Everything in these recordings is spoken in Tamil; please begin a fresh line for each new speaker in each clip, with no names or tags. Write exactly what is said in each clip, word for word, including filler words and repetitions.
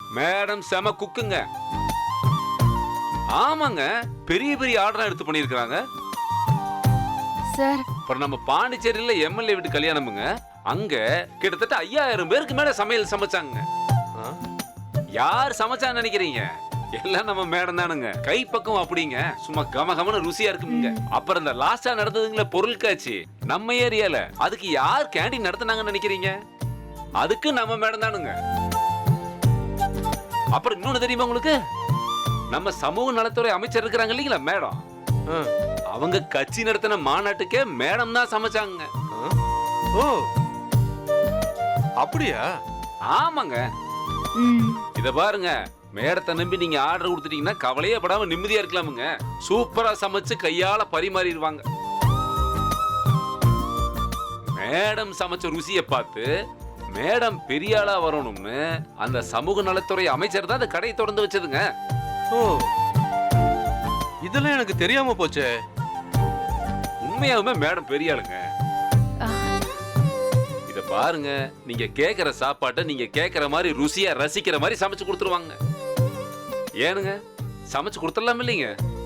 மேடம் செம குக்குங்க. ஆமாங்க, பெரிய பெரிய ஆர்டர் எடுத்து பண்ணிருக்காங்க
சார்.
அப்புறம் நம்ம பாண்டிச்சேரியில எம்எல்ஏ வீட்டு கல்யாணமுங்க. அங்க கிட்டத்தட்ட ஐயாயிரம் பேருக்கு மேல சமையல் சமைச்சாங்க. யார் சமைச்சான்னு நினைக்கிறீங்க? எல்லாம் நம்ம மேடம் தானுங்க. கை பக்கம் அப்படிங்க, சும்மா கம கமன ருசியா இருக்குங்க. அப்புறம் இந்த லாஸ்டா நடந்ததுங்களே பொருள் காட்சி நம்ம ஏரியால, அதுக்கு யார் கேண்டீன் நடத்துனாங்கன்னு நினைக்கிறீங்க? அதுக்கு நம்ம மேடம் தானுங்க. அப்புறம் இன்னொன்னு தெரியுமா உங்களுக்கு? நம்ம சமூக நலத்துறை அமைச்சர் இருக்கிறாங்க இல்லீங்களா மேடம், அவங்க கட்சி நடத்தின மாநாட்டுக்கே மேடம் தான் சமைச்சாங்க.
ஓ அப்படியா?
ஆமாங்க. இத பாருங்க, மேடத்தை நம்பி நீங்க ஆர்டர் கொடுத்துட்டீங்கன்னா கவலையே படாம நிம்மதியா இருக்கலாமுங்க. சூப்பரா சமைச்சு கையால பரிமாறிடுவாங்க. மேடம் சமைச்ச ருசியை பார்த்து மேடம் பெரிய ஆளா வரணும்னு அந்த சமூக நலத்துறை அமைச்சர் தான் அந்த கடையை திறந்து வச்சதுங்க.
ஓ இதெல்லாம் எனக்கு தெரியாம போச்சே.
உண்மையாவுமே மேடம் பெரிய ஆளுங்க. இத பாருங்க, நீங்க கேக்குற சாப்பாட்டை நீங்க கேக்குற மாதிரி ருசியா ரசிக்கிற மாதிரி சமைச்சு கொடுத்துருவாங்க. ஏனுங்க, சமைச்சு கொடுத்துடலாம் இல்லைங்க?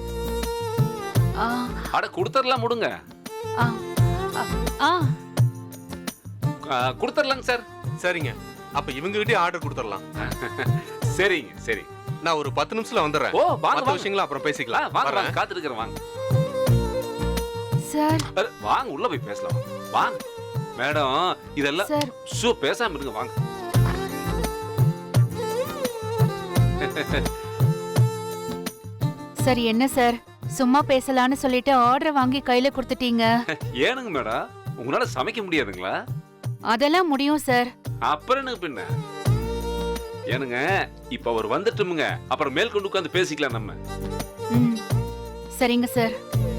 அட கொடுத்துடலாம் முடுங்க. கொடுத்துடலாங்க சார்.
சரிங்க, அப்ப இவங்க கிட்டே ஆர்டர் கொடுத்துடலாம்.
சரிங்க சரி,
நான் ஒரு பத்து நிமிஷத்துல வந்துடுறேன்.
ஓ வாங்க,
மத்த விஷயங்களை அப்புறம் பேசிக்கலாம்.
வாங்க வாங்க, காத்துட்டு வாங்க
சார்.
வாங்க உள்ள போய் பேசலாம். வாங்க மேடம், இதெல்லாம் சோ பேசாம இருங்க வாங்க.
சார் என்ன சார், சும்மா பேசலான்னு சொல்லிட்டு ஆர்டர் வாங்கி கையில கொடுத்துட்டீங்க.
ஏனுங்க மேடம், உங்களால சமைக்க முடியாதுங்களா?
அதெல்லாம் முடியும் சார்.
அப்புறம் என்ன பின்ன? ஏனுங்க, இப்ப அவர் வந்துட்டுமுங்க, அப்புறம் மேல் கொண்டு உட்கார்ந்து பேசிக்கலாம் நம்ம.
சரிங்க சார்.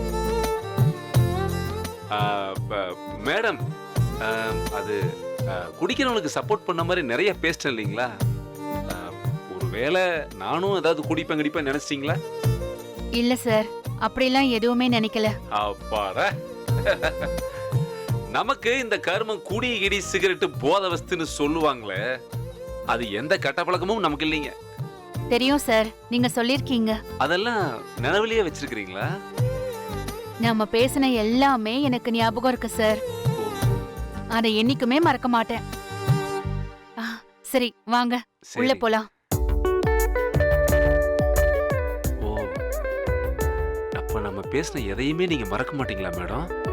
மேடம், அது குடிக்கிறவங்களுக்கு சப்போர்ட் பண்ண மாதிரி நிறைய பேஸ்ட் இல்லைங்களா? ஒருவேளை நானும் ஏதாவது குடிப்பேன் குடிப்பேன் நினைச்சிட்டீங்களா?
இல்ல சார், அப்படிலாம் எதுவுமே நினைக்கல.
அப்பாடா, நமக்கு இந்த கர்மம் குடி கிடி சிகரெட் போதை வஸ்துன்னு சொல்லுவாங்களே, அது எந்த கெட்ட பழக்கமும் நமக்கு இல்லைங்க.
தெரியும் சார், நீங்க சொல்லிருக்கீங்க.
அதெல்லாம் நினைவிலேயே வச்சிருக்கீங்களா?
நம்ம பேசின எல்லாமே எனக்கு ஞாபகம் இருக்கு சார். அதை என்னைக்குமே மறக்க மாட்டேன். சரி வாங்க உள்ள போலாம்.
ஓ, அப்ப நம்ம பேசின எதையுமே நீங்க மறக்க மாட்டீங்களா மேடம்?